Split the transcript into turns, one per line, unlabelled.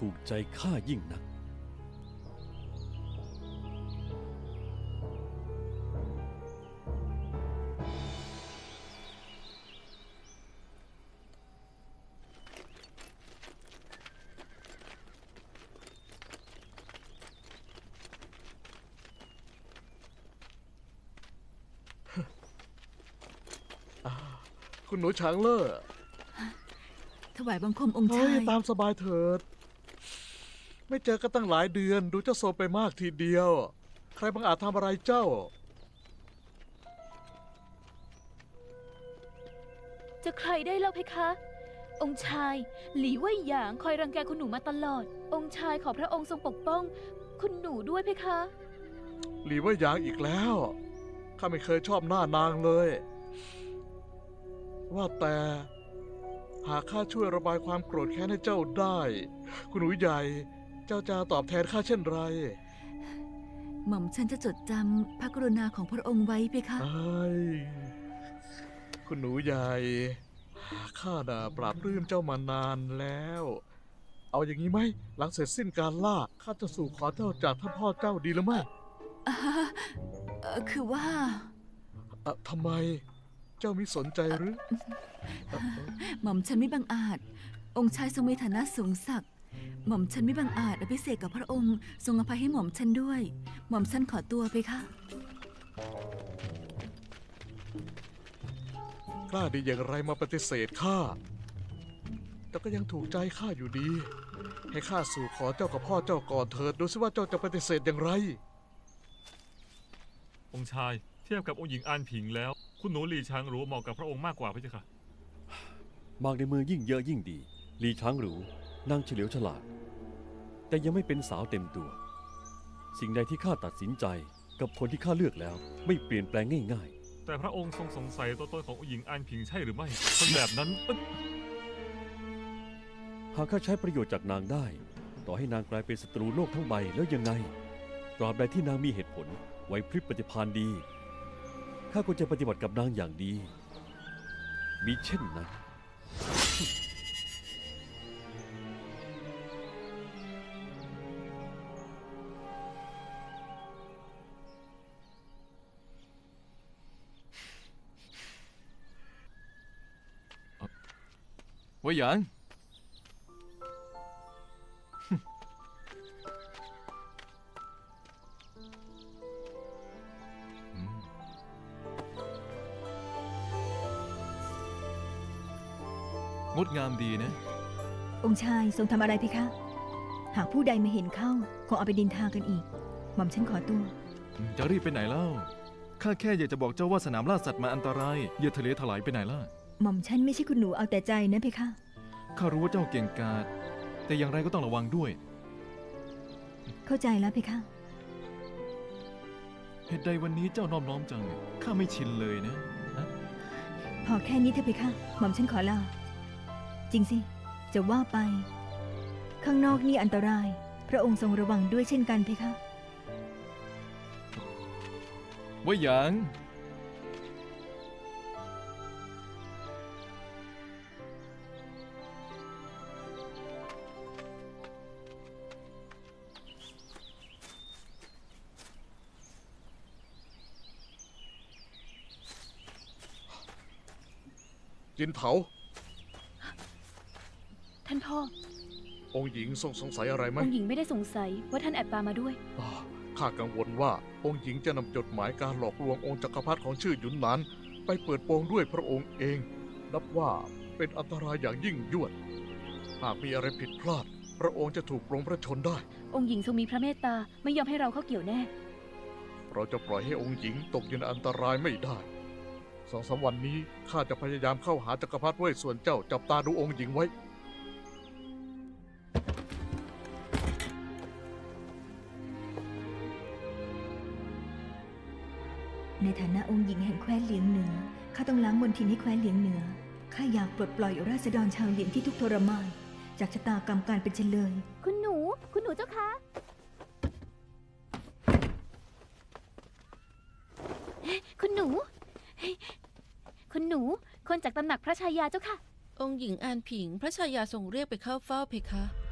ถูกใจข้ายิ่งนัก
คุณหนูช้างเล่อ
ถวายบังคมองค์ชาย
ตามสบายเถิดไม่เจอกันตั้งหลายเดือนดูเจ้าโซไปมากทีเดียวใครบังอาจทำอะไรเจ้า
จะใครได้เล่าเพคะ องค์ชายหลีเว่ยหยางคอยรังแกคุณหนูมาตลอด องค์ชายขอพระองค์ทรงปกป้องคุณหนูด้วยเพคะ
หลีว่าอย่างอีกแล้วข้าไม่เคยชอบหน้านางเลยว่าแต่หากข้าช่วยระบายความโกรธแค้นให้เจ้าได้ คุณหนูใหญ่เจ้าจะตอบแทนข้าเช่นไร
หม่อมฉันจะจดจำพระกรุณาของพระองค์ไว้เพคะ
ไอ้คุณหนูใหญ่ข้าน่ะปราบปลื้มเจ้ามานานแล้ว เอาอย่างนี้ไหมหลังเสร็จสิ้นการล่าข้าจะสู่ขอเจ้าจากท่านพ่อเจ้าดีหรือไม่
คือว่า
ทำไมเจ้ามิสนใจหรือ
หม่อมฉันไม่บังอาจ องค์ชายทรงมีฐานะสูงศักดิ์หม่อมฉันไม่บังอาจอภิเษกกับพระองค์ทรงอภัยให้หม่อมฉันด้วย หม่อมฉันขอตัวไปค่ะ
กล้าดีอย่างไรมาปฏิเสธข้าแต่ก็ยังถูกใจข้าอยู่ดี ให้ข้าสู่ขอเจ้ากับพ่อเจ้าก่อนเถิดดูสิว่าเจ้าจะปฏิเสธอย่างไร
องค์ชายเทียบกับองค์หญิงอานผิงแล้ว คุณหนูหลีช้างหรูเหมาะกับพระองค์มากกว่าพระเจ้าค่ะ
มากในมือยิ่งเยอะยิ่งดีลีช้างหรูนางเฉลียวฉลาด แต่ยังไม่เป็นสาวเต็มตัว สิ่งใดที่ข้าตัดสินใจกับคนที่ข้าเลือกแล้ว ไม่เปลี่ยนแปลงง่ายๆ
แต่พระองค์ทรงสงสัยตัวตนขององค์หญิงอานผิงใช่หรือไม่คนแบบนั้น
หากข้าใช้ประโยชน์จากนางได้ ต่อให้นางกลายเป็นศัตรูโลกทั้งใบแล้วยังไง ตราบใดที่นางมีเหตุผลไหวพริบปฏิภาณดี ข้าก็จะปฏิบัติกับนางอย่างดี มิเช่นนั้น
เว่ยหยางงดงามดีนะ
องค์ชายทรงทำอะไรเพคะ หากผู้ใดมาเห็นเข้าคงเอาไปดินทากันอีก หม่อมฉันขอตัว
จะรีบไปไหนเล่า ข้าแค่อยากจะบอกเจ้าว่าสนามล่าสัตว์มาอันตรายอย่าทะเลถลายไปไหนล่ะ
หม่อมฉันไม่ใช่คุณหนูเอาแต่ใจนะเพคะ
ข้ารู้ว่าเจ้าเก่งกาจแต่อย่างไรก็ต้องระวังด้วย
เข้าใจแล้วเพคะ
เหตุใดวันนี้เจ้าน้อมน้อมจัง ข้าไม่ชินเลยนะ
พอแค่นี้เถอะเพคะ หม่อมฉันขอลา จริงสิ จะว่าไป ข้างนอกนี่อันตราย พระองค์ทรงระวังด้วยเช่นกันเพคะ
เว่ยหยาง
จินเถา
ท่านพ่อ
องค์หญิงทรงสงสัยอะไรไหม
องค์หญิงไม่ได้สงสัยว่าท่านแอบปามาด้วย
ข้ากังวลว่าองค์หญิงจะนำจดหมายการหลอกลวงองค์จักรพรรดิของชื่อหยุนหนานไปเปิดโปงด้วยพระองค์เอง นับว่าเป็นอันตรายอย่างยิ่งยวด หากมีอะไรผิดพลาด พระองค์จะถูกปรงพระชนได้
องค์หญิงทรงมีพระเมตตาไม่ยอมให้เราเข้าเกี่ยวแน่
เราจะปล่อยให้องค์หญิงตกอยู่ในอันตรายไม่ได้2-3 วันนี้ข้าจะพยายามเข้าหาจักรพรรดิเว่ยส่วนเจ้าจับตาดูองค์หญิงไว้
ในฐานะองค์หญิงแห่งแคว้นเหลียงเหนือ ข้าต้องล้างมลทินให้แคว้นเหลียงเหนือ ข้าอยากปลดปล่อยราษฎรชาวเหลียงที่ทุกข์ทรมาน จากชะตากรรมการเป็นเฉลย
คุณหนูเจ้าคะ คุณหนู คนจากตำหนักพระชายาเจ้าค่ะ
องค์หญิงอานผิงพระชายาทรงเรียกไปเข้าเฝ้าเพคะ